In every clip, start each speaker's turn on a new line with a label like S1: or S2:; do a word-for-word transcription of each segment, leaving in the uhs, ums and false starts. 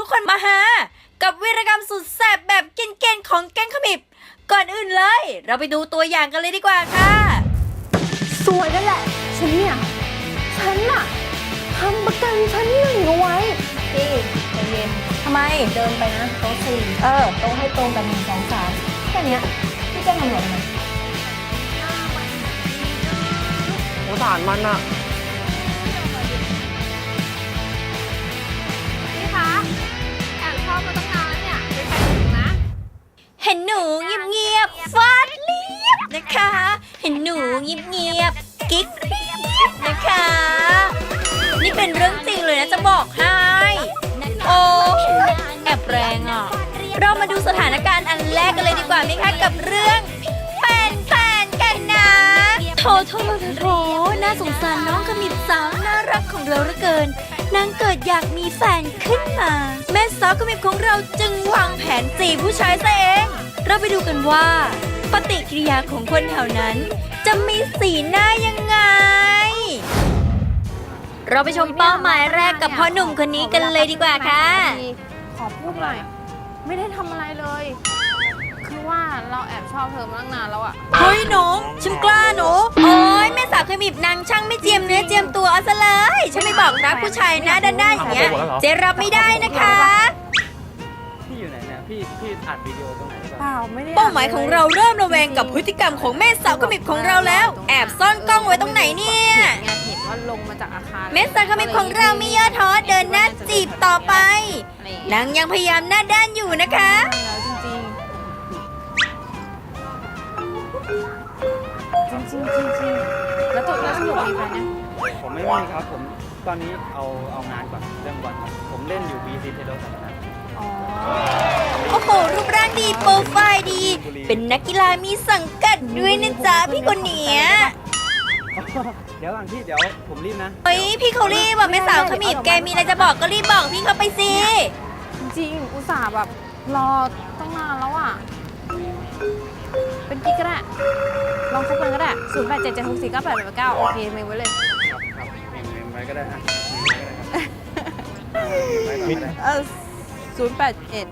S1: ทุกคนมาหากับวีรกรรมสุดแสบแบบเกณฑ์ของแก๊งขมิบก่อนอื่นเลยเราไปดูตัวอย่างกันเลยดีกว่าค่ะ
S2: สวยนั่นแหละฉันเนี่ยฉันน่ะทำประกันชั้นหนึ่งเอาไว้พี่ใจเย็นทำไมเดินไปนะโต๊ะสี่เออโต๊ะให้ตรงกันหนึ่งสองสามแค่เนี้ยพี่จะทำอะไรมัน
S3: สงสารมันอะ
S2: พี่คะแอบชอบมาตั้งนานแล้วเนี่ยเป็นแฟนหนูนะ
S1: เห็นหนูเงียบๆฟาดเรียบนะคะเห็นหนูเงียบๆกิ๊กเรียบนะคะนี่เป็นเรื่องจริงเลยนะจะบอกให้โอ้แอบแรงอ่ะเรามาดูสถานการณ์อันแรกกันเลยดีกว่าไหมคะกับเรื่องเป็นแฟนกันนะโถโถโถน่าสงสารน้องขมิบสาวน่ารักของเราเหลือเกินนางเกิดอยากมีแฟนขึ้นมาแม่สาวขมิบของเราจึงวางแผนจีบผู้ชายซะเองเราไปดูกันว่าปฏิกิริยาของคนแถวนั้นจะมีสีหน้ายังไงเราไปชมเป้าหมายแรกกับพ่อหนุ่มคนนี้กันเลยดีกว่าค่ะ
S2: ขอพูดหน่อยไม่ได้ทำอะไรเลยคือว่าเราแอบชอบเธอมาตั้งนานแล้วอะ
S1: เฮ้ยหนูฉันกล้าหนูโอ้ยแม่สาวเคยบีบนางช่างไม่เจียมเนื้อเจียมตัวเอาซะเลยฉันไม่บอกรักผู้ชายหน้าด้านๆอย่างเงี้ยเจรับไม่ได้นะคะ
S3: พี่อยู่ไหนเนี่ยพี่พี่อัดวิดีโอตรงไหน
S2: เปล่าไม่ได้
S1: เป้าหมายของเราเริ่มระแวงกับพฤติกรรมของแม่สาวขมิบของเราแล้วแอบซ่อนกล้องไว้ตรงไหนเนี่ย
S2: เห็นว่าลงมาจากอาคาร
S1: แม่สาวขมิบของเราไม่ย่อท้อเดินหน้าจีบต่อไปนางยังพยายามหน้าด้านอยู่นะคะ
S2: จริงจริงจริงจริงแล้วตัวแล้วสนุกมีแฟนยัง
S3: ผมไม่มีครับผมตอนนี้เอาเอางานก่อนเรื่องก่อนครับผมเล่นอยู่ บี ซี เทโดสันนะ
S1: โอ้โหรูปร่างดีโปรไฟล์ดีเป็นนักกีฬามีสังกัดด้วยนะจ๊ะพี่คนเนี้ย
S3: เดี๋ยวก่อนพี่เดี๋ยวผมรีบนะ
S1: เฮ้ยพี่เขารีบแบบแม่สาวขมิบแกมีอะไรจะบอกก็รีบบอกพี่เขาไปสิ
S2: จริงอุตส่าห์แบบรอตั้งนานแล้วอ่ะเป็นกิ๊กก็ได้ลองคบกันก็ได้ศูนย์แปดเจ็ดเจ็ดหกสี่เก้าแปดแปดเก้าโอเคเมมไว้เลย
S3: ครับครับเมมเมมไว้ก็ได้ฮะ
S2: เออศูนย์แปดเอ็ด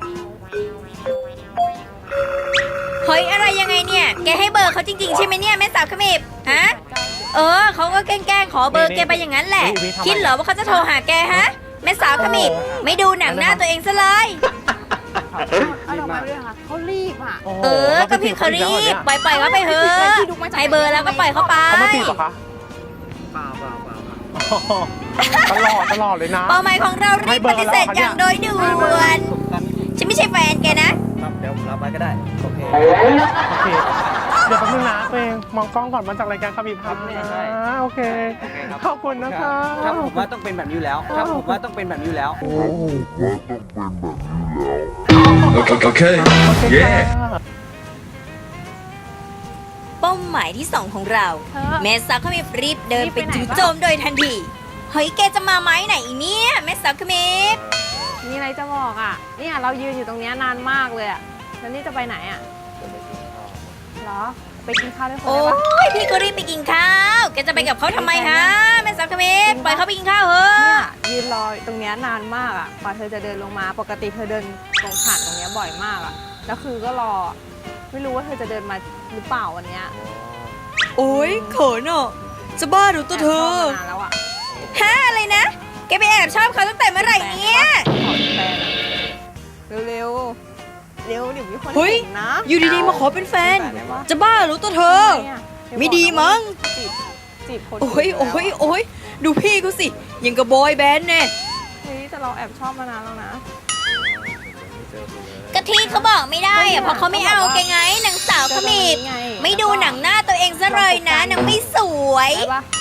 S1: เฮ้ยอะไรยังไงเนี่ยแกให้เบอร์เขาจริงๆใช่ไหมเนี่ยแม่สาวขมิบฮะเออเขาก็แกล้งๆขอเบอร์แกไปอย่างนั้นแหละคิดเหรอว่าเขาจะโทรหาแกฮะแม่สาวขมิบไม่ดูหนังหน้าตัวเองซะเลย
S2: เอาดอกไม้ไปด้วยค่ะเขารีบอ่ะ
S1: เออก็พี่เขารีบปล่อยปล่อยเขาไปเถอะให้เบอร์แล้วก็ปล่อยเขาไป
S3: เขาไม่ติดหรอคะเปล่าเปล่าเปล่าตลอดตลอดเลยนะ
S1: เป้าหมายของเรารีบปฏิเสธอย่างโดยด่วนฉันไม่ใช่แฟนแกนะครับ
S3: เดี๋ยวรับไว้ก็ได้โอเค
S4: โอเคเดี๋ยวแป๊บนึงนะตัวเองมองกล้องก่อนมาจากรายการขมิบครับนะโอเคขอบคุณนะคะ
S3: ครับผมว่าต้องเป็นแบบนี้แล้วครับผมว่าต้องเป็นแบบนี้แล้ว
S4: โอเคเย้
S1: เป้าหมายที่สองของเราแม่สาวขมิบรีบเดินไปจู่โจมโดยทันทีเฮ้ยแกจะมาไหมไหนเนี่ยแม่สาวขมิบ
S2: มีอะไรจะบอกอ่ะเนี่ยเรายืนอยู่ตรงนี้นานมากเลยอ่ะแล้วนี่จะไปไหนอ่ะเหรอไปกินข้าวด้วยคนได้ปะ
S1: โอ้ยพี่ก็รีบไปกินข้าวแกจะไปกับเขาทำไมฮะแม่สาวขมิบปล่อยเขาไปกินข้าวเถอะ
S2: เนี่ยยืนรอตรงนี้นานมากอ่ะกว่าเธอจะเดินลงมาปกติเธอเดินตรงผ่านตรงนี้บ่อยมากอ่ะแล้วคือก็รอไม่รู้ว่าเธอจะเดินมาหรือเปล่าวันนี้
S1: โอ้ยเขินอ่ะจะบ้าหรือตัวเธอ
S2: แล้วอ่ะ
S1: ฮะอะไรนะแกไปแอบชอบเขาตั้งแต่เมื่อไหร่เนี่ย
S2: เร็วเร็วเร็วเดี๋ยวมีคน
S1: เห็นนะอยู่ดีๆมาขอเป็นแฟนจะบ้าหรือตัวเธอไม่ดีมั้ง
S2: จีบจีบคน
S1: โอ้ยโอ้ยโอ้ยดูพี่เขาสิยังกับบอยแบนด์แน่
S2: เฮ้ยแต่เราแอบชอบมานานแล้วนะ
S1: กะทิเขาบอกไม่ได้อะเพราะเขาไม่เอาแกไงนางสาวขมิบไม่ดูหนังหน้าตัวเองซะเลยนะนางไม่สวย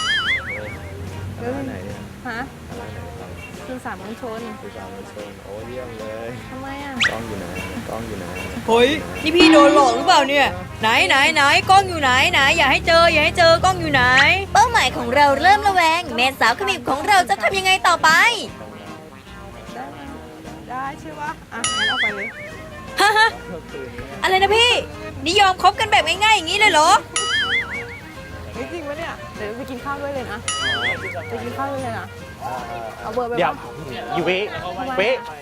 S2: ฮะคือสามมณฑล
S3: คือสามมณฑลโอ้เยี่ยมเลย
S2: ทำไมอ่ะ
S3: กล้องอยู่ไหนกล้องอยู่ไหน
S1: เฮ้ยนี่พี่โดนหลอกหรือเปล่าเนี่ยไหนไหนไหนกล้องอยู่ไหนไหนอย่าให้เจออย่าให้เจอกล้องอยู่ไหนเป้าหมายของเราเริ่มระแวงแม่สาวขมิบของเราจะทำยังไงต่อไป
S2: ได้ได้ใช่ปะอ่ะงั้นเอาไปเลย
S1: ฮะฮะอะไรนะพี่นิยอมคบกันแบบง่ายๆอย่างนี้เลยเหรอ
S2: จริงปะเนี่ยเดี๋ยวไปกินข้าวด้วยเลยนะไปกินข้าวด้วยเลยนะเอาเบอร์ไป
S4: เดี๋ยวยูวิวิ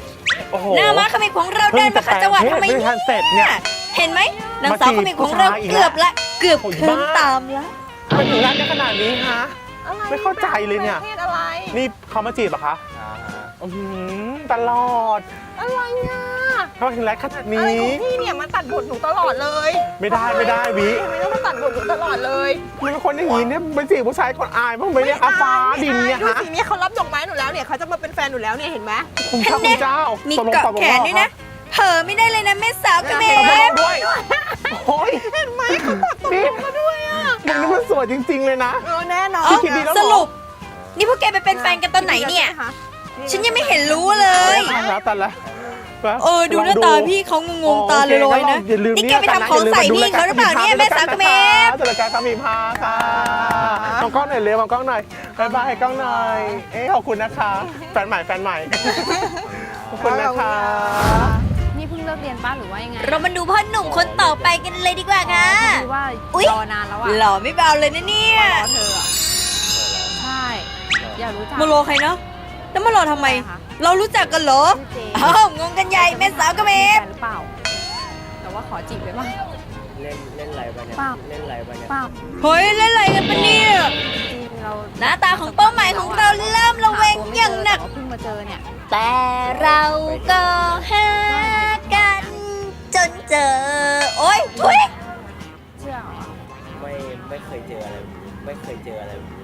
S4: โอ้โห
S1: หน้าม้าขมิบของเราเดินมาขัดจังหวะทำไม
S4: ไม่
S1: เนี่
S4: ทันเสร็จเนี่ย
S1: ยเห็นไหมนางสาวขมิบของเรา
S4: มาจีบผู้ชายอีก
S1: เกือบละเกือบ
S4: โอ้ย
S1: เคิร์ม
S4: บ้า
S1: ตามละ
S4: มันถึงรักได้ขนาดนี้ฮะ
S2: อะไร
S4: ไม่เข้าใจเลยเนี่ย
S2: ประเทศอะไร
S4: นี่เขามาจีบเหรอคะ
S3: อ่าฮะ
S4: อืมตลอด
S2: อะไรอ่ะ
S4: เขาถึงรักขนาด
S2: อะไร
S4: นี้
S2: ของพี่เนี่ยมาตัดบทหนูตลอดเลย
S4: ไม่ได้ไม่ได้วิ
S2: ทำไมต้องมาตัดบทหนูตลอดเลย
S4: มันเป็นคนอย่างนี้เนี่ยไปจีบผู้ชายคนอายบ้างไหมเนี่ยคะฟ้าดินเนี่ย
S2: ดู
S4: ฮะ
S2: สิเนี่ยเขารับดอกไม้หนูแล้วเนี่ยเขาจะมาเป็นแฟนหนูแล้วเนี่ยเห็นไหม
S4: คุณพระคุณเจ้า
S1: มี
S4: ตลง
S1: เกาะ
S4: ตลง
S1: แขนด้วยนะเผลอไม่ได้เลยนะแม่สาวขมิ
S4: ตลง
S1: บ
S4: ด้วยโอ้ย
S2: เห็นไหมเขากดตกลงมาด้วยอ่ะ
S4: มึงนี่มันสวยจริง ๆ เลยนะ
S2: เออแน่นอน
S1: เอ้า
S4: คิดดีแล้วเหรอ
S1: สรุป นี่พวกแกไปเป็นแฟนกันตอนไหนเนี่ย ฉันยังไม่เห็นรู้เลย
S4: ตายแล้วตายแล้ว
S1: เออดูหน้าตาพี่เขางงๆตาลอยๆนะ
S4: อย่าลืม
S1: นี่แกไปทำของใส่พี่เขาหรือเปล่าเนี่ยแม่สาวขมิบ
S4: จัดรายการคามีพาค่ะมองกล้องหน่อยเร็วมองกล้องหน่อยบายบายกล้องหน่อย เอ๊ะขอบคุณนะคะ แฟนใหม่แฟนใหม่ ขอบคุณนะคะ
S5: นี่เพิ่งเลิกเรียนป้าหรือว่ายังไง
S1: เรามาดูพ่อหนุ่มคนต่อไปกันเลยดีกว่าค่ะ
S5: คือว่า
S1: อุ๊ย
S5: รอนานแล้วอะ
S1: หล่อไม่เบาเลยนะเนี่ย
S5: รอเธออะใช่อยากรู้จัก
S1: มารอใครเนาะแล้วมารอทำไม
S5: คะ
S1: เรารู้จักกันเหรอ
S5: ชื่อเจ
S1: อ้าวงงกันใหญ่แม่สาวขมิ
S5: แฟ
S1: บ
S5: นหรือเปล่า แต่ว่าขอจีบได้ป่ะ
S3: เล่นเล่นอะไรไปเนี่ย
S5: เปล่า
S3: เล่นอะไรไปเนี่ย
S5: เปล่า
S1: เฮ้ยเล่นอะไรกันปะเนี่ย
S5: จริงเรา
S1: หน้าตาของเป้าหมายของเราเริ่มระแวงอย่างหนัก
S5: แต่ว่าเพิ่งมาเจอเนี่ย
S1: แต่เราก็หากันจนเจอ โอ๊ยทุย
S5: เชื่อเหรอ
S3: ไม่ไม่เคยเจออะไรแบบนี้ไม่เคยเจออะไรแบบนี้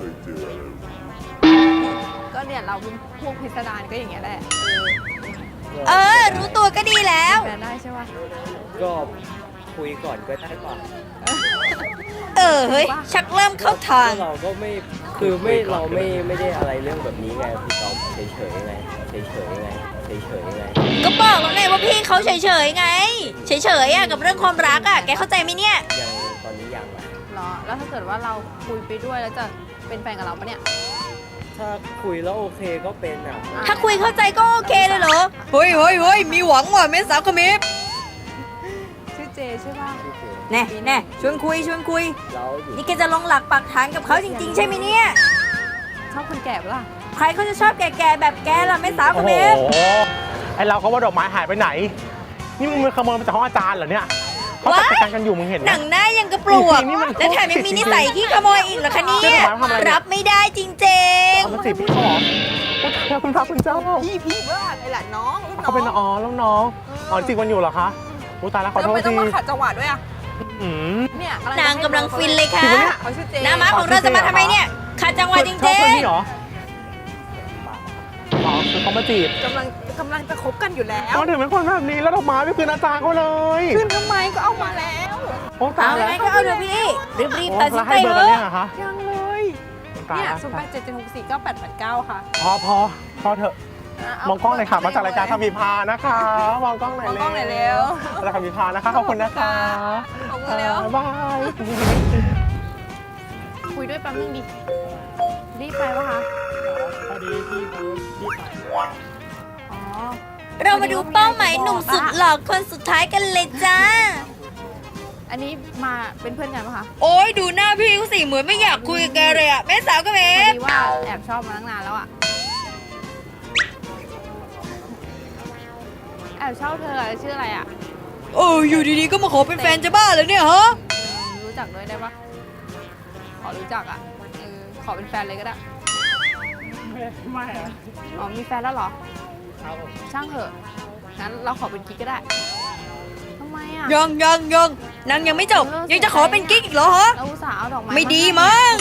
S5: ก็เนี่ยเราเป็นพวกพิสดารก็อย่างเงี้ยแหละ
S1: เออ รู้ตัวก็ดีแล้ว
S5: แฟนได้ใช่ป่ะ
S3: ก็คุยก่อนก็ได้ป่ะ
S1: เออเฮ้ย ชักเริ่มเข้าทาง
S3: ก็เราก็ไม่คือไม่เราไม่ไม่ได้อะไรเรื่องแบบนี้ไงพี่ตอมเฉยเฉยๆไงเฉยเฉยๆไงเฉยเฉยๆไง
S1: ก็บอกแล้วไงว่าพี่เขาเฉยๆไง เฉยๆอ่ะกับเรื่องความรักอ่ะ แกเข้าใจไหมเนี่ย
S3: ยังตอนนี้ยังอะ
S5: เหรอ แล้วถ้าเกิดว่าเราคุยไปด้วยแล้วจะเป็นแฟนกับเราปะเนี่ย
S3: ถ้าคุยแล้วโอเคก็เป็นอ่ะ
S1: ถ้าคุยเข้าใจก็โอเคเลยเหรอ เฮ้ยเฮ้ยเฮ้ยมีหวังว่ะแม่สาวขมิบ
S5: ชื่อเจใช่ป่ะ
S3: โอเค
S1: แน่แน่ชวนคุยชวนคุย
S3: แล้วอยู่
S1: นี่แกจะลงหลักปักฐานกับเขาจริง ๆ ใช่ไหมเนี่ย
S5: ชอบคนแก่ปะล่ะ
S1: ใครเขาจะชอบแก่ๆแบบแกล่ะแม่สาวข
S4: โอ้โห
S1: มิบ
S4: ไอเราเขาว่าดอกไม้หายไปไหน นี่มึงมาขโมยมาจากห้องอาจารย์เหรอเนี่ยเขาจัดการกันอยู่มึงเห็นไหม
S1: หนังหน้ายังกระปลวก
S4: นี่มัน
S1: และแถมยังมีนิสัยขี้ขโมยอีกเหรอคะเนี่
S4: เจ๊
S1: ย
S4: ดอกไม้ทำอะไรเนี่ย
S1: รับไม่ได้จริง
S4: เอามาจีบพี่เขาเหรอโอ้ยคุณพระคุณเจ้า
S2: พี่พี่เพื่อนไอ้หลานน้องรุ่นน้อง
S4: เขาเป็นอ๋อแล้วน้องอ๋อจริงวันอยู่เหรอคะโอ้ตายแล้วขอ
S2: แล้ว
S4: โทษ
S2: ไม่ต้อ
S4: ที
S2: งมาขัดจังหวะด้วยอ่ะ
S4: อืม
S2: เนี่ย
S1: ๆ นางกำลังฟินเลยค่ะ
S4: จริงปะเนี่ย
S2: เขาชื่อเจ
S1: หน้าม้าของเราจะมาทำไมเนี่ยขัดจังหวะจ
S4: ชอบ
S1: ริ
S4: คน
S1: ง
S4: นี้เหรออ๋อคือเขามาจีบ
S2: กำลังกำลังจะคบกันอยู่แล้ว
S4: เขาถึงเป็นคนแบบนี้แล้วดอกไม้ไม่คืนอาจารย์เขาเลย
S2: ขึ้นทำไมก็เอามาแล้ว
S4: โอ้
S1: ๆ
S4: ตา
S1: เอา
S4: ยแล้ว
S1: ไงก็เอาเถอะพี่รีบๆตัดสิน
S4: แล้ว
S1: ใจ
S4: ให้เบอร์
S1: เถ
S4: กัน
S1: อะ
S4: เนี่ยเหรอคะ
S2: ยังเลย
S4: ตาย
S2: เนี่ย
S4: แล้ว
S2: ศูนย์แปดเจ็ดเจ็ดหกสี่เก้าแปดแปดเก้าค่ะ
S4: พอพอพอเถอะ
S2: ะเาม
S4: องกล้องหน่อยค่ะมาจากรายการคำพิพานะคะ มองกล้องหน่อย
S2: มองกล้องหน่อยเร็ว
S4: รายการคำพิพานะคะขอบคุณนะคะ
S2: ขอบคุณเร็ว
S4: บ๊ายบาย
S5: คุยด้วยแป๊บนึงดิ รีบไปปะคะ
S4: พอดีพี่เขารีบไป
S5: อ๋อ
S1: เรามาดูเป้าหมายหนุ่มสุดหล่อคนสุดท้ายกันเลยจ้า
S5: อันนี้มาเป็นเพื่อนกันปะคะ
S1: โอ้ยดูหน้าพี่เขาสิเหมือนไม่อยากคุยกับแกเลยอะแม่สาวก็เม
S5: พอ
S1: ฟ
S5: ดีว่าแอบชอบมาตั้งนานแล้วอะแอบชอบเธออะชื่ออะไรอะ
S1: โอ้อยู่ดีๆก็มาขอเป็นแฟนจะบ้าเลยเนี่ยฮะ
S5: เออรู้จักด้วยได้ปะขอรู้จักอะเออขอเป็นแฟนเลยก็ได้
S4: ไม่อะ
S5: อ๋อมีแฟนแล้วเหรอ
S4: ครับผม
S5: ช่างเถอะงั้นเราขอเป็นกิ๊กก็ได้ทำไมอะ
S1: ยังยังยังนางยังไม่จบ ยังจะขอเป็นกิ๊กอีกเหรอฮะ
S5: เราอุตส่าห์เอาดอกไม้
S1: ไม่ดี
S5: าให้
S1: มั้ง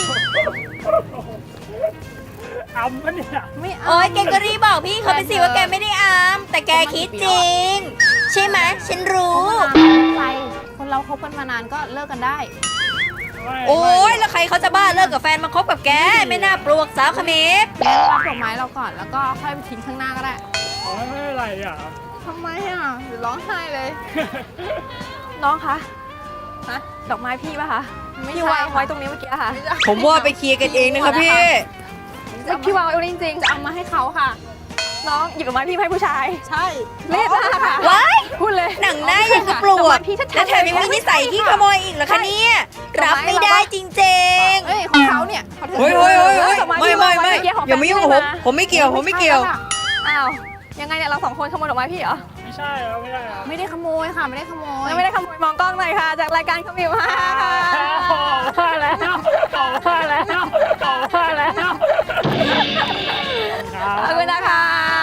S4: อ้ำปะเนี่ย
S5: ไม่เอา
S1: โอ้ยแกก็รีบบอกพี่เขาไปสิว่าแกไม่ได้อาม แต่แกคิดจริง ใช่ไหมฉันรู้
S5: คบมานานไม่เป็นไรคนเราคบกันมานานก็เลิกกันได้
S1: โอ้ยแล้วใครเขาจะบ้าเลิกกับแฟนมาคบกับแก ไม่น่าปลวกสาวขมิบ
S5: งั้นรับดอกไม้เราก่อนแล้วก็ค่อยไปทิ้งข้างหน้าก็ได้
S4: อ๋อไม่เป็นไรอ่ะ
S5: ทำไมอ่ะเดี๋ยวร้องไห้เลย น้องคะฮะดอกไม้พี่ป่ะคะพี่วางไว้ตรงนี้เมื่อกี้ค่ะ
S1: ผมว่าไปเคลียร์กันเองนะคะพี่
S5: แล้วพี่วางไว้จริงๆจะเอามาให้เขาค่ะ น้องหยิบดอกไม้พี่ให้ผู้ชาย ใช่เรียบมากค่ะ
S1: ว้าย
S5: พูดเลย
S1: หนังหน้ายังกระปลวก
S5: พี่ชัดๆ
S1: และแถมยังมีนิสัยที่ขโมยอีกเหรอคะเนี่ย รับไม่ได้จริง
S5: เอ้ยของเขาเนี่ย
S1: ๆเฮ้ยเฮ้ยเฮ้ยเฮ้ย
S5: ดอก
S1: ไม่ไม่ไม่
S5: พี่วางว้เอกี้ของ
S1: อย่ามายุ่งกับผม ผมไม่เกี่ยวผมไม่เกี่ยว
S5: อ้าวยังไงเนี่ยเราสองคนขโมยดอกไม้พี่เหรอ
S6: ไม่ใช่ครับไม่ใช่ครับ
S2: ไม่ได้ขโมยค่ะ ไม่ได้ขโมย
S5: ไม่ได้ขโมยมองกล้องหน่อยค่ะ จากรายการขมิวค่ะ
S6: มาแล้วมาแล้วมาแล้ว
S5: ขอบคุณนะคะ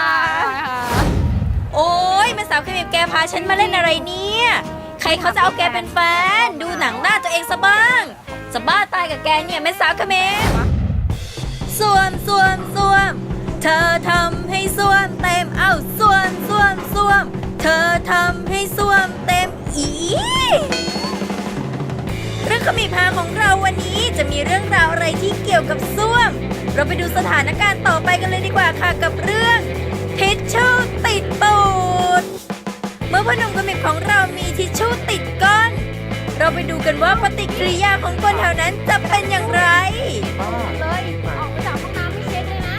S1: โอ้ยแม่สาวขมิบแกพาฉันมาเล่นอะไรเนี่ย ใครเขาจะเอาแกเป็นแฟน ดูหนังหน้าตัวเองซะบ้างจะบ้าตายกับแกเนี่ยแม่สาวขมิบสวมสวมสวม เธอทำให้สวมเต็ม เอ้าสวมสวมสวม เธอทำให้สวมเต็มอีเรื่องขมิบหาของเราวันนี้จะมีเรื่องราวอะไรที่เกี่ยวกับส้วม เราไปดูสถานการณ์ต่อไปกันเลยดีกว่าค่ะกับเรื่องทิชชู่ติดตูด เมื่อพ่อหนุ่มขมิบของเรามีทิชชู่ติดก้น เราไปดูกันว่าปฏิกิริยาของคนแถวนั้นจะเป็นอย่างไร
S2: เลย ออกมาจากห้องน้ำไม่เช็ดเลยนะ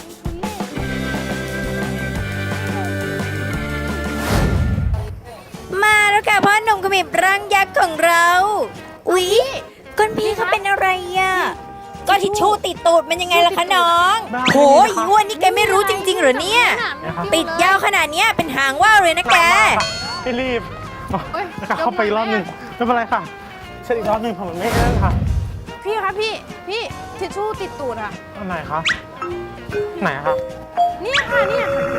S1: มาแล้วค่ะพ่อหนุ่มขมิบร่างยักษ์ของเรา อุ๊ยก้นพี่เขาเป็นอะไรอ่ะ ก็ทิชชู่ติดตูดมันยังไงล่ะคะน้องโหอีอ้วนนี่แกไม่รู้จริงๆเหรอเนี่ย ติดยาวขนาดเนี้ยเป็นหางว่าวเลยนะแก
S4: พี่รีบนะคะเข้าไปอีกรอบหนึ่งไม่เป็นไรค่ะเช็ดอีกรอบหนึ่งผมไม่เล่นค่ะ
S2: พี่คะพี่ พี่ทิชชู่ติดตูดค่ะ
S4: อันไหนคะไหนอะคะ
S2: เนี่ยค่ะเนี่ย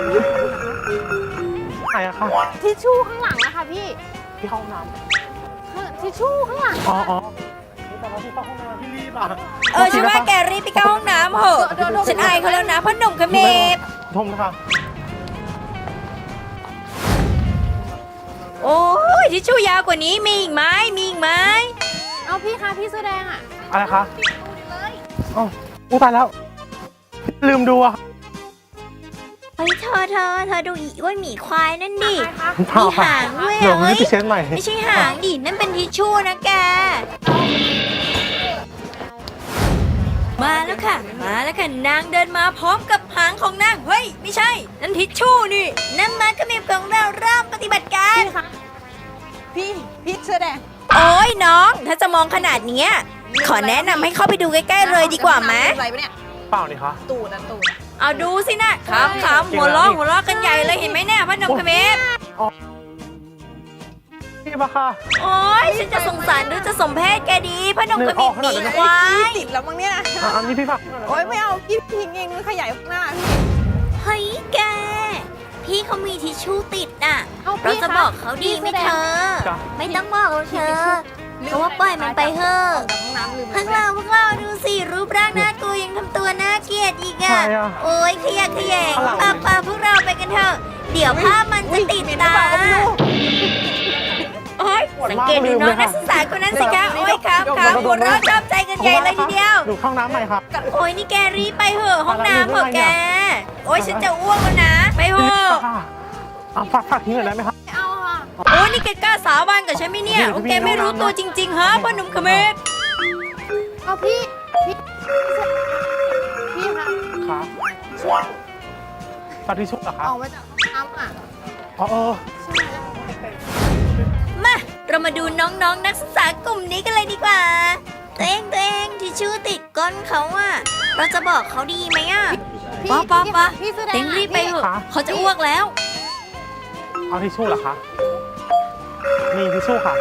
S4: ไหนอะคะ
S2: ทิชชู่ข้างหลังนะคะพี่
S4: ที่ห้องน้
S2: ข้างทิชชู่ข้างหลัง
S4: ำอ๋ออ๋อแต่ว่าที่เข้าห้องน้ำพี่รีบอ่ะ
S1: เออฉันว่าแกรีบไปเข้าห้องน้ำเหอะฉันอายเขาแล้วนะพ่อหนุ่มขมิบ
S4: ทมนะคะ
S1: โอ้ยทิชชู่ยาวกว่านี้มีอีกไหมมีอีกไหม
S2: เอาพี่คะพี่เสื้อแดงอ่ะ
S4: อะไรคะอ๋ออู้ตายแล้วลืมดูอะ
S1: เฮ้ยเธอเธอเธอดูอีอ้วนหมีควายนั่นดิ
S4: เปล่า
S1: มี
S4: ค่ะ
S1: หางด้วย
S4: เดี๋ยว
S1: อะ
S4: รี
S1: เฮ้
S4: บ
S1: ย
S4: ไปเช็ดใหม่
S1: ไม่ใช่หางดินั่นเป็นทิชชู่นะแก มาแล้วค่ะ มาแล้วค่ะนางเดินมาพร้อมกับหางของนางเฮ้ยไม่ใช่ นั่นทิชชู่นี่นั่นมาขมิบของเราเริ่มปฏิบัติการ
S2: พี่คะ พี่ พี่เสื้อแดง
S1: โอ้ยน้อง ถ้าจะมองขนาดเนี้ยขอแนะนำให้เข้าไปดูใกล้ๆเลยดีกว่าไหม
S5: อะไรปะเนี่ย
S4: เปล่านี่คะ
S5: ตูดอ่ะตูดอะ
S1: เอาดูสินะขำขำหัวล้อหัวล้อกันใหญ่เลยเห็นไหมเนี่ยพ่อหนุ่มขมิบ
S4: พี่ปะค่ะ
S1: โอ้ยฉันจะสงสารหรือจะสมเพศแกดีพ่อหนุ่มขมิบหนีควาย
S5: ติดแล้วมั้งเนี่ย
S4: อ่ะอันนี้พี่ผัก
S5: โอ๊ยไม่เอาพี่ทิ้งเองมันขยายข้างหน้าพี่
S1: เฮ้ยแก พี่เขามีทิชชู่ติดน่ะ
S2: เอา
S1: เรา
S2: พี่
S1: จะ
S2: คะ
S1: บอกเขาดีไหมเธอ
S4: จ้ะ
S1: ไม่ต้องบอกเราเธอเพราะว่าปล่อยมันไปเถอะ
S5: ออกจากห้องน้ำลืม
S1: พวกเราพวกเราดูสิรูปร่างน่ากลัวยังทำตัวน่าเกลียดอีกอ่ะ
S4: ใครอะ
S1: โอ้ยขยะแขยง
S4: อะไร
S1: ปาปาพวกเราไปกันเถอะ เดี๋ยวภาพมันจะติดตาโอ้ยสังเกตดูน้องนักศึกษาคนนั้นสิคะโอ้ยครับครับหัวเราะชอบใจกันใหญ่เลยทีเดียว
S4: ดูห้องน้ำใหม่ค่ะ
S1: โอ้ยนี่แกรีบไปเหอะห้องน้ำเหอะแก โอ้ยฉันจะอ้วกแล้วนะ ไปเหอะ
S4: ค่ะเอาผักผักทิ้งหน่อยได้ไหมคะ
S2: ไม่เอาค่ะ
S1: โอ้ยนี่แกกล้าสาบานกับฉันไหมเนี่ยว่าแกไม่รู้ตัวจริงๆฮะพ่อหนุ่มขมิบ
S2: เอาพี่ พี่ พี่คะ
S4: ค่ะปาทิชชู่เหรอคะ
S2: ออกมาจากห้องน้ำอ่ะ
S4: อ๋อเออ
S1: มา เรามาดูน้องๆนนักศึกษากลุ่มนี้กันเลยดีกว่าตัวเองตัวเองที่ชื่อติดก้นเขาอะเราจะบอกเขาดีไหมอะ
S2: พี่
S1: ป้าป้าป้า
S2: พี่เสื้อแดง
S1: เต็งรีบไปเถอะเขาจะอ้วกแล้ว
S4: เอาทิชชู่เหรอคะมีทิชชู่ค่ะ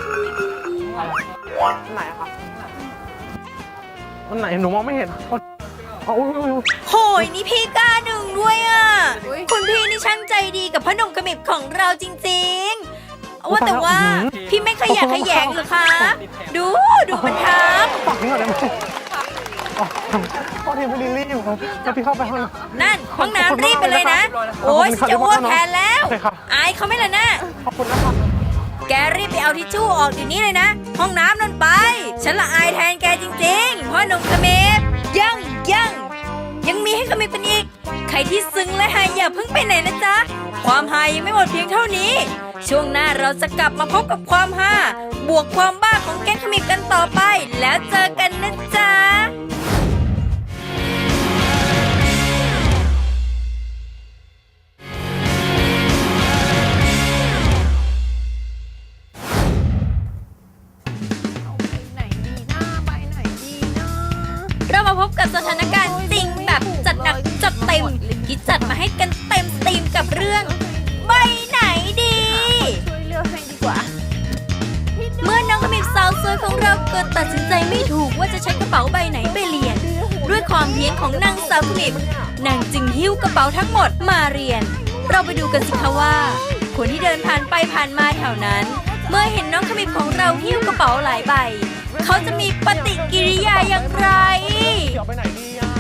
S4: อันไหนอะคะอันไหนหนูมองไม่เห็นอ๋ออุ้ยอุ้ยอุ้ย
S1: โหยนี่พี่กล้าดึงด้วยอะคุณพี่นี่ช่างใจดีกับพ่อหนุ่มขมิบของเราจริงๆว่าแต่ว่าพี่ไม่ขยะแขยงเหรือคะ ดูดูมันทำ
S4: ฝากทิ้งหน่อยได้ไหมอ๋อพ่อทีมพี่ลิลลี่อยู่ครับแล้วพี่เข้าไปห้องน้ำ
S1: นั่นห้องน้ำรีบไปเลยนะ โอ้ยฉันจะอ้วกแทนแล้ว
S4: โอเคครับ
S1: อายเขาไหม่ล่ะนะ
S4: ขอบคุณนะครับ
S1: แกรีบไปเอาทิชชู่ออกเดี๋ยวนี้เลยนะ ห้องน้ำนั่นไป ฉันละอายแทนแกจริงๆพ่อหนุ่มขมิบยังยังยังมีให้ขมิบกันอีก ใครที่ซึ้งและหายอย่าเพิ่งไปไหนนะจ๊ะ ความหายยังไม่หมดเพียงเท่านี้ ช่วงหน้าเราจะกลับมาพบกับความฮาบวกความบ้าของแก๊งขมิบกันต่อไป แล้วเจอกันนะจ๊ะ
S2: ไหนดีหน้าไปไหนดีนะ
S1: เรามาพบกับสถานการณ์จริงแบบจัดหนักจัดเต็มที่จัดมาให้กันเต็มสตรีมกับวยของเราเกิดตัดสินใจไม่ถูกว่าจะใช้กระเป๋าใบไหนไปเรียน ด้วยความเพียรของนางสาวขมิบนางจึงหิ้วกระเป๋าทั้งหมดมาเรียน เราไปดูกันสิคะว่า คนที่เดินผ่านไปผ่านมาแถวนั้น เมื่อเห็นน้องขมิบของเราหิ้วกระเป๋าหลายใบ เขาจะมีปฏิกิริยาอย่างไร
S4: เดี๋ยวไปไหนดีอ่ะ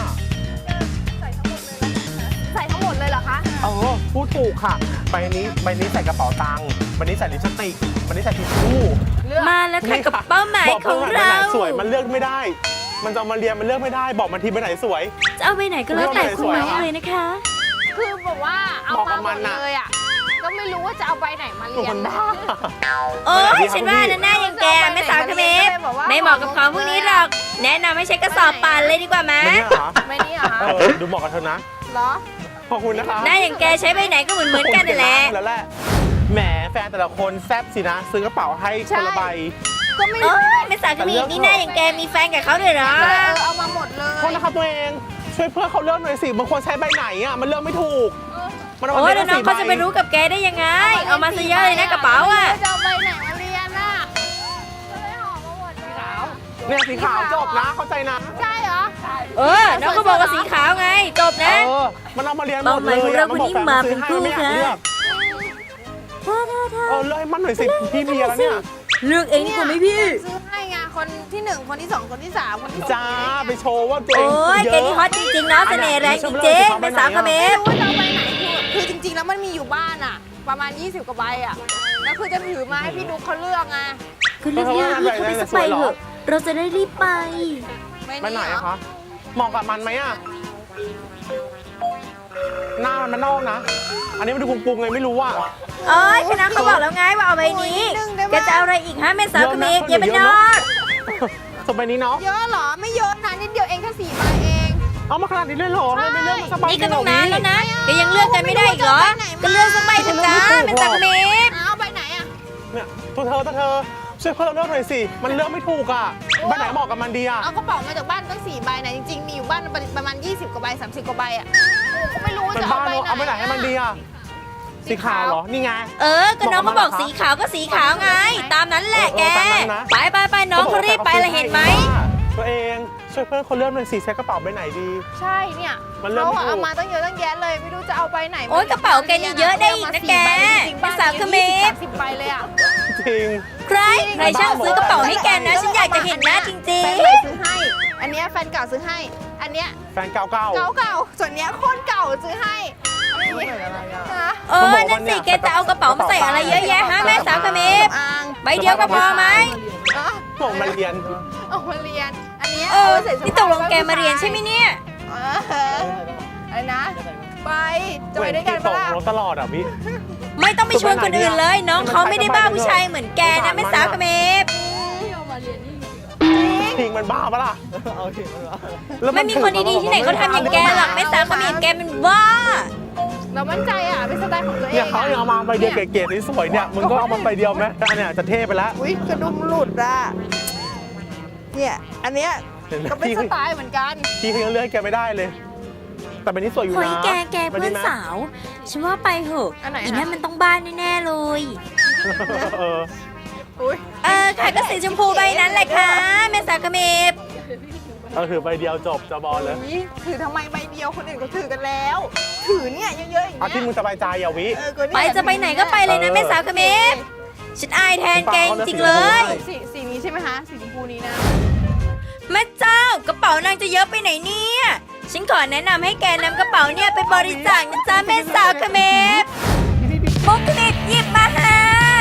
S5: ใส่ทั้งหมดเลยเหรอคะ
S4: เออพูดถูกค่ะใบนี้ใบนี้ใส่กระเป๋าตังค์ใบนี้ใส่ลิปสติกใบนี้ใส่ทิชชู่
S1: มาแล้วค่ะกับเป้าหมาย
S4: บอก
S1: ขอ
S4: เพื่
S1: ง
S4: อนใบ
S1: เรา
S4: ไหนสวยมันเลือกไม่ได้ มันจะเอามาเรียนมันเลือกไม่ได้ บอกมันทีใบไหนสวย
S1: จะเอาไปไหนก็แล้วแต่คุณหมายเลยนะคะ
S5: คือแบบว่าเอา
S4: บอกกั
S5: มา
S4: บ
S5: หม
S4: มัน
S5: ด
S4: น่ะ
S5: เลยอ่ะ ก็ไม่รู้ว่าจะเอาใบไหนมา
S4: ถู
S5: เรี
S4: ก
S5: ย
S4: มัน นบ้า
S1: โอ้ยฉันว่านะหน้าอย่างแกไม่สาวขมิบไม่เหมาะกับของพวกนี้หรอก แนะนำให้ใช้กระสอบป่านเลยดีกว่าไหม
S4: ไม่เนี่ยเหรอ
S5: ไม่นี่เหรอคะ
S4: เออดูเหมาะกับเธอนะ
S5: เหรอ
S4: ขอบคุณนะคะ
S1: หน้าอย่างแกใช้ใบไหนก็เหมือนเหมือนๆกันนั่นแหละ
S4: แล้วแหละแหมแฟนแต่ละคนแซ่บสินะ ซื้อกระเป๋าให้คนละใบ
S5: ก็ไม่
S1: โอ้
S5: รู้
S1: ยไม่สาวขมิบนี่หน้าอย่างแกมีแฟนกับเขาด้วยเหรอ
S5: ก็เลยเออเอามาหมดเลย
S4: โทษนะครับตัวเองช่วยเพื่อนเขาเลือกหน่อยสิบางคนใช้ใบไหนอ่ะมันเลือกไม่ถูกมันเอา
S1: โอ้
S4: มาย เรี
S1: แล้
S4: ย
S1: วน น้อง
S4: สี่ใบ
S1: เขาจะไปรู้กับแกได้ยังไง เอามาซะเยอะเลยนะกระเป๋าอ่ะ
S5: จะเอาใบไหนมาเรียนน่ะก็เลยห่อมาหมดสีขาว
S4: เนี่ยสีขาวจบนะเข้าใจนะ
S5: ใช่เหรอ
S1: เออ น้องก็บอกว่าสีขาวไง จบ
S4: เอ
S1: นะ
S4: อมันเอามาเรียนหมด
S1: เป้าห
S4: เล
S1: มาย
S4: ย
S1: ของเรา
S4: อะมันบอก
S1: คนนี้
S4: แฟน
S1: มา
S4: ซื้อให้
S1: เป็นคู่
S4: ไม่อยากเลือก
S1: ค่ะ
S4: เออเลือกให้มันหน่อยสิพี่มีแล้วเนี่ย
S1: เลือกเองดีกว่าไหมพี่
S5: ซื้อให้ไงคนที่หนึ่งคนที่สองคนที่สามคนที่สี่
S4: จ้าไปโชว์ว่าตัวเอง
S1: โอ้ย
S4: เย
S1: แก
S4: อะ
S1: นี่ฮอตจริงๆเนาะเสน่ห์แรงจริงๆเป็นสาวเขม
S5: ไม่
S1: ร
S5: รู้ว่าจะเอาใบไหนคือคือจริงๆแล้วมันมีอยู่บ้านอ่ะ ประมาณยี่สิบกว่าใบอ่ะแล้วคือจะถือมาให้พี่ดุ๊กเขาเลือกไง
S1: คือเลือกยากพี่เขาไปสักใบเถอะ เราจะได้รีบไป
S4: ไปไหนอะคะเหมาะกับมันไหมอะหน้ามันมันนอกนะ อันนี้มันดูปรุงๆไงไม่รู้ว่า
S1: โอ้ยคณะเขาบอกแล้วไงว่าเอาใบนี้แกจะเอาอะไรอีกฮะแม่สาวเขมรอย่าเป็นนอก
S4: สมใบนี้เนาะ
S5: เยอะเหรอไม่เยอะนะนิดเดียวเองแค่สี่ใบเอง
S4: เอามาขนาดนี้เลยเหรอไม่ไม่เลือกมาสักใบ
S1: นี่ก็
S4: เดียว
S1: ต้องนานแล้วนะแกยังเลือกกันไม่ได้อีกเหรอ ก็เลือกสักใบเถอะจ้าแม่สาวเขมร
S5: เอาใบไหนอ่ะ
S4: เนี่ยตัวเธอตัวเธอช่วยเพื่อนเราเลือกหน่อยสิ มันเลือกไม่ถูกอ่ะใบไหนเหมาะกับมันดีอ่ะ
S5: เอากระเป๋ามาจากบ้านตั้งสี่ใบนะจริงๆมีอยู่บ้านประมาณยี่สิบกว่าใบสามสิบกว่าใบอ่ะก็ไม่รู้ว่า
S4: เป็น
S5: จะ
S4: บ้า
S5: เอา
S4: น
S5: ใบ
S4: เนอะเอาไปไหนให้มันดีอ่ะ สีขาวเหรอ นี่ไง
S1: เออ ก็น้องเขาบอกสีขาวก็สีขาวไง ตามนั้นแหละแก
S4: เออตามนั้นนะ
S1: ไปไปไปน้องเขารีบไปละเห็นไหม
S4: ตัวเองช่วยเพื่อนคนเลือกหน่อยสิใช้กระเป๋าใบไหนดี
S5: ใช่เนี่ย
S4: มันเริ่ม
S5: เขาอะ
S4: ไม่ถูก
S5: เอามาตั้งเยอะตั้งแยะเลยไม่รู้จะเอาใบไหน
S1: โอ๊ยกระเป๋าแกนี่เยอะได้อีกนะแก
S5: เป็น
S1: สาวเขมร
S5: สิบใบเลยอ่ะ
S4: จริง
S1: ใครใครช่างซื้อกระเป๋าให้แกนะ ฉันอยากจะเห็นหน้าจริ
S5: แฟ
S1: ง
S5: นใหม่ซื้อให้ อันเนี้ยแฟนเก่าซื้อให้ อันเนี้ย
S4: แฟนเก่าเก่า
S5: เก่าเก่าๆส่วนเนี้ยโคตรเก่าซื้อให้ฮะ
S1: ๆ เออ นั่นสิ แกจะเอากระเป๋ามาใส่อะไรเยอะแยะฮะแม่สาวเขมร
S5: อ่าง
S1: ใบเดียวก็พอไหม
S5: อ่ะ
S4: ส่งมาเรียน
S5: เอามาเรียน อันเนี้ย
S1: เออ
S5: าไว้ใส่เสื้อ
S1: นี่ตกลงแกมาเรียนใช่ไหมเนี่ย
S5: เอออะไรนะ ไป จะไปด้วยกัน
S4: ต
S5: ปะ
S4: ก
S5: ล่ะ
S4: รถตลอดอ่ะพี่
S1: ไม่ต้องไปชวนคนอื่นเลย น้องเขาไม่ได้บ้าผู้ชายเหมือนแกนะแม่สาวเขมร
S4: ทิ้งมันบ้าปะล่ะ
S1: ไม่มีคนดีๆที่ไหนเขาทำอย่างแกหรอกแม่สาวเขมรแกเป็นบ้า
S5: เรามั่นใจอ่ะเป็นสไตล์ของตัวเอง
S4: เนี่ยเขายังเอามาใบเดียวเก๋ๆสวยๆเนี่ยมึงก็เอามาใบเดียวไหมอันเนี้ยจะเท่ไปแล้ว
S5: อุ้ยกระดุมหลุดอ่ะ เนี่ย อันเนี้ย
S4: เห็นไหม
S5: ก็เป็น
S4: พี่
S5: สไตล์เหมือนกัน
S4: พี่เขายังเลือกแกไม่ได้เลย แต่เป็นนี้สวยอยู่
S1: เฮ้ย
S4: นะ
S1: แกแกเพื่อนสาว ฉันว่าไปเหอะ
S5: อันไหนอะ
S1: อีนั่นมันต้องบ้านแน่ๆเลย
S4: เออ
S5: อุ้ย
S1: เออค่ะก็สีชมพูใบนั้นแหละค่ะแม่สาวเขมร
S4: เราถือใบเดียวจบจะบอลเลย
S5: อุ๊ยถือทำไมใบเดียวคนอื่นเขาถือกันแล้ว ถือเนี่ยเยอะๆอย่าง
S4: เอา
S5: เงี้
S4: ที่
S5: ย
S4: มึงสบายใจอย่าวิ
S5: เออก็เนี่ย
S1: ไปจะไปไหนก็ไปเลยนะแม่สาวเขมรฉันอายแทนแกจริงๆเลย
S5: สีสีนี้ใช่ไหมคะสีชมพูนี้นะ
S1: แม่เจ้ากระเป๋านางจะเยอะไปไหนเนี่ยฉันขอแนะนำให้แกนำกระเป๋าเนี่ยไปบริจาคนะจ๊ะแม่สาวเขมรมุกคลิปหยิบมาค่ะ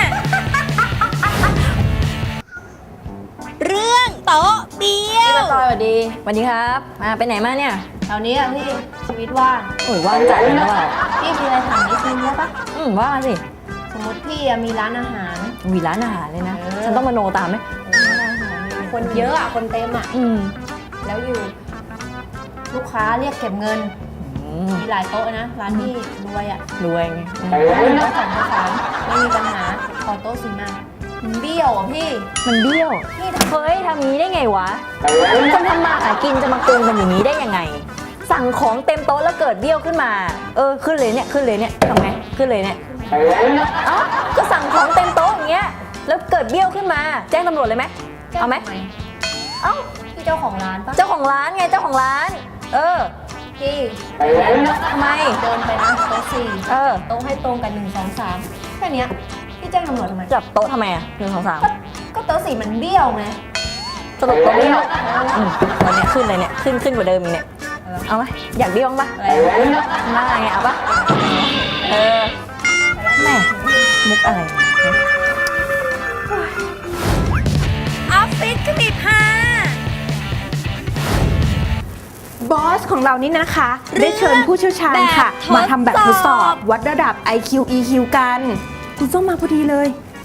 S1: เรื่องโต๊ะเบี้ย
S2: พี่
S1: ว
S2: ปะตอยสวัสดีสวัสดีครับ มาไปไหนมาเนี่ย
S5: แถวนี้อ่ะพี่ชีวิตว่าง
S2: โอ้ยว่างจัดเลยนะเปล่า
S5: พี่มีอะไรถามนิดนึงได้ปะ
S2: อืมว่ามาสิ
S5: สมมติพี่อะมีร้านอาหาร
S2: มีร้านอาหารเลยนะ
S5: เออ
S2: ฉันต้องมาโนตามไหม
S5: ร้านอาหารคนเยอะอะคนเต็มอะ
S2: อืม
S5: แล้วอยู่ ลูกค้าเรียกเก็บเงิน
S2: อืม
S5: มีหลายโต๊ะนะ ร้านที่รวยอะ
S2: รวยไงอืม
S5: โต๊ะสองโต๊ะสามไม่มีปัญหาขอโต๊ะสี่มามันเบี้ยวอ่ะพี่
S2: มันเบี้ยว
S5: พี่ท
S2: เฮ้ยทำงี้ได้ไงวะ คนทำมาหากินจะมาโกงกันอย่างนี้ได้ยังไง สั่งของเต็มโต๊ะแล้วเกิดเบี้ยวขึ้นมา เออขึ้นเลยเนี่ยขึ้นเลยเนี่ยทำไงขึ้นเลยเนี่ยเอ้าก็สั่งของเต็มโต๊ะอย่างเงี้ยแล้วเกิดเบี้ยวขึ้นมา แจ้งตำรวจเลยไหม
S1: เอาไหมเอ้า
S2: พี่เจ้าของร้านปะ
S1: เจ้าของร้านไงเจ้าของร้าน เออ
S2: พี่
S1: ทำไม
S2: เดินไปนะโต๊ะสี่
S1: เออ
S2: โต๊ะให้ตรงกันหนึ่งสองสามแค่เนี้ยพี่แจ้งตำรวจทำไม
S1: จับโต๊ะทำไมอ่ะหนึ่งสองสาม
S2: ก็ก็โต๊ะสี่มันเบี้ยวไง
S1: สรุปโต๊ะเบี้ยวอืมวันนี้ขึ้นเลยเนี่ยขึ้นขึ้นกว่าเดิมอีกเนี่ยเอาไหมอยากเบี้ยวบ้างปะ
S2: อะไร
S1: หน้าไงเอาปะเออแม่มุกอะไรออฟฟิศขมิบห้า
S5: บอสของเรานี่นะคะ ได้เชิญผู้เชี่ยวชาญค่ะ
S1: แบบทดสอบ
S5: มาทำแบบทดสอบวัดระดับ ไอ คิว อี คิว กัน คุณส้มมาพอดีเลย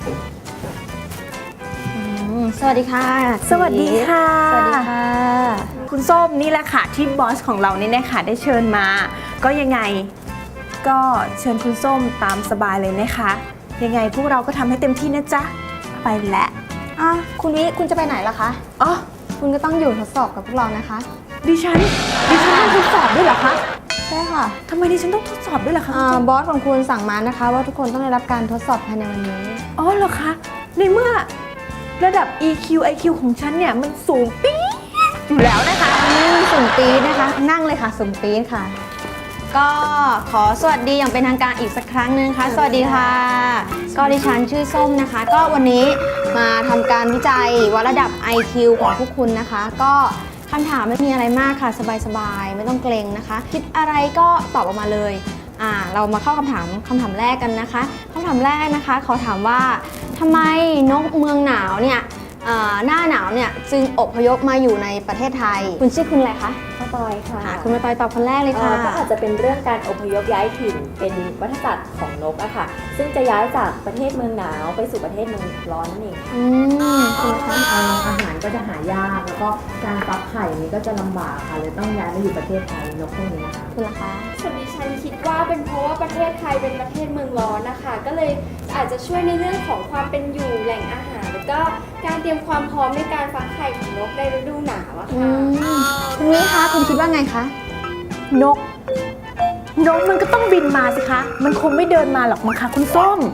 S2: สวัสดีค่ะ
S5: สวัสดีค่ะ
S2: สวัสดีค่ะ
S5: คุณส้มนี่แหละค่ะที่บอสของเรานี่นะคะได้เชิญมา ก็ยังไงก็เชิญคุณส้มตามสบายเลยนะคะ ยังไงพวกเราก็ทำให้เต็มที่นะจ๊ะ ไปแล้ว
S2: อ่ะคุณวิคุณจะไปไหนล่ะคะ
S5: อ๋อ
S2: คุณก็ต้องอยู่ทดสอบกับพวกเรานะคะ
S5: ดิฉันดิฉันต้องทดสอบด้วยเหรอคะ
S2: ใช่ค่ะ
S5: ทำไมดิฉันต้องทดสอบด้วยล่ะคะ
S2: อ่าบอสของคุณสั่งมานะคะ ว่าทุกคนต้องได้รับการทดสอบภายในวันนี้
S5: อ๋อเหรอคะในเมื่อระดับ อี คิว ไอ คิว ของฉันเนี่ยมันสูงปี๊ดอยู่แล้วนะคะ
S2: อืมสุ่มปี๊ดนะคะ นั่งเลยค่ะสุ่มปี๊ดค่ะ ก็ขอสวัสดีอย่างเป็นทางการอีกสักครั้งหนึงค่ะ สวัสดีค่ะ ก็ดิฉันชื่อส้มนะคะ ก็วันนี้มาทำการวิจัยวัดระดับ ไอ คิว ของพวกคุณนะคะ ก็คำถามไม่มีอะไรมากค่ะ สบายๆ ไม่ต้องเกรงนะคะ คิดอะไรก็ตอบออกมาเลย อ่า เรามาเข้าคำถามคำถามแรกกันนะคะคำถามแรกนะคะเขาถามว่าทำไมนกเมืองหนาวเนี่ยอ่าหน้าหนาวเนี่ยจึงอพยพมาอยู่ในประเทศไทย คุณชื่อคุณอะไรคะ
S7: ข้าวตอยค่ะ
S2: ค่ะคุณมาตอยตอบคนแรกเลย
S7: เอ่
S2: ค่ะ
S7: อก็อาจจะเป็นเรื่องการอพยพย้ายถิ่นเป็นวัฏจักรของนกอะค่ะ ซึ่งจะย้ายจากประเทศเมืองหนาวไปสู่ประเทศเมืองร้อนนั่นเอง
S2: อืมคุณละคะ
S7: เอ่ออาหารก็จะหายาก แล้วก็การฟักไข่นี้ก็จะลำบากค่ะเลยต้องย้ายมาอยู่ประเทศไทยนกพวกนี้นะคะ
S2: คุณละคะ
S8: ส่วนดิฉันคิดว่าเป็นเพราะว่าประเทศไทยเป็นประเทศเมืองร้อนนะคะ ก็เลยอาจจะช่วยในเรื่องของความเป็นอยู่แหล่งอาหาร แล้วก็การเตรียมความพร้อมในการฟักไข่ของนกในฤดูหนาวอะ
S2: อื
S8: ค่ะ
S2: มคุณวิคะคุณคิดว่าไงคะ
S5: นก นกมันก็ต้องบินมาสิคะ มันคงไม่เดินมาหรอกมั้งคะคุณส้ม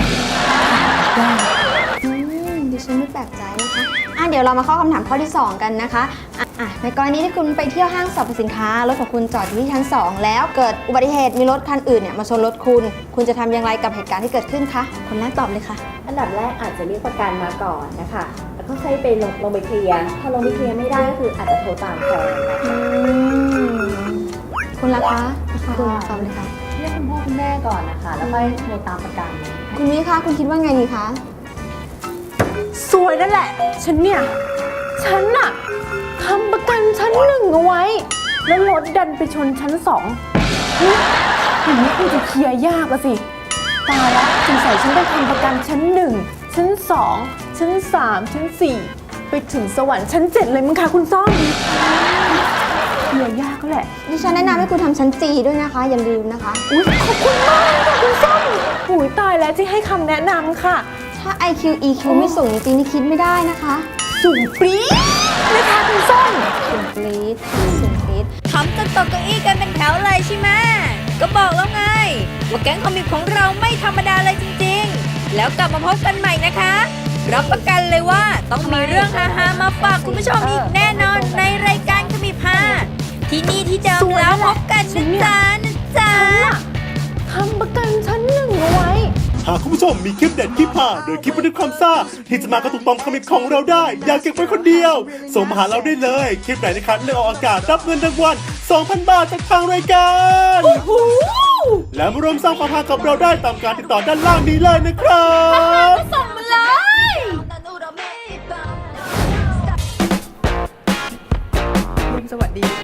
S2: อืมดิฉันไม่แปลกใจนะคะอ่ะเดี๋ยวเรามาเข้าคำถามข้อที่สองกันนะคะอ่ะอ่ะในกรณีที่คุณไปเที่ยวห้างสรรพสินค้ารถของคุณจอดอยู่ที่ชั้นสองแล้วเกิดอุบัติเหตุมีรถคันอื่นเนี่ยมาชนรถคุณ คุณจะทำอย่างไรกับเหตุการณ์ที่เกิดขึ้นคะคนแรกตอบเลยค่ะ
S7: อันดับแรกอาจจะเรียกประกันมาก่อนนะคะ แล้วก็ค่อยไปลงลงไปเคลียร์ พอลงไปเคลียร์ไม่ได้ก็คืออาจจะโทรตามแฟนนะคะ
S2: อืมคุณล่ะคะคุณตอบเลยค่ะ
S7: เรียกคุณพ่อคุณแม่ก่อนนะคะ แล้วค่อยโทรตามประกัน
S2: คุณวิคะคุณคิดว่าไงดีคะ
S5: สวยนั่นแหละ ฉันเนี่ย ฉันน่ะทำประกันชั้นหนึ่งเอาไว้ แล้วรถดันไปชนชั้นสองเฮ้ยอย่างนี้คงจะเคลียร์ยากอะสิ ตายแล้วสงสัยฉันต้องทำประกันชั้นหนึ่งชั้นสองชั้นสามชั้นสี่ไปถึงสวรรค์ชั้นเจ็ดเลยมั้งคะคุณส้มเคลียร์ยากก็แหละ
S2: ดิฉันแนะนำให้คุณทำชั้นจีด้วยนะคะ อย่าลืมนะคะ
S5: อุ๊ยขอบคุณมากเลยค่ะคุณส้มหูยตายแล้วที่ให้คำแนะนำค่ะ
S2: ถ้า ไอ คิว อี คิว ไม่สูงจริงๆนี่คิดไม่ได้นะคะ
S5: สูงปรี๊ดนะคะคุณส้ม
S2: สูงปรี๊ดสูงปรี๊ด
S1: ทำจนตกเก้าอี้กันเป็นแถวเลยใช่ไหมก็บอกแล้วไงว่าแก๊งคอมิกของเราไม่ธรรมดาเลยจริงๆ แล้วกลับมาพบกันใหม่นะคะ รับประกันเลยว่าต้องมีเรื่องฮาๆมาฝากคุณผู้ชมอีกแน่นอนในรายการขมิบห้าที่นี่ที่เดิมแล้วพบกันนะจ๊ะนะจ๊ะ
S5: ทำประกันชั้นหนึ่งเอาไว้
S9: หากคุณผู้ชมมีคลิปเด็ดคลิปหาหรือคลิปบันทึกความซ่าที่จะมากระตุกต่อมคอมิกของเราได้ อย่าเก็บไว้คนเดียว ส่งมาหาเราได้เลย คลิปไหนนะครับเลือกออกอากาศรับเงินรางวัล สองพัน บาทจากทางรายการและมาร่วมสร้างความฮากับเราได้ตามการติดต่อด้านล่างนี้เลยนะครับ
S1: ส่งมาเลย
S5: สวัสดี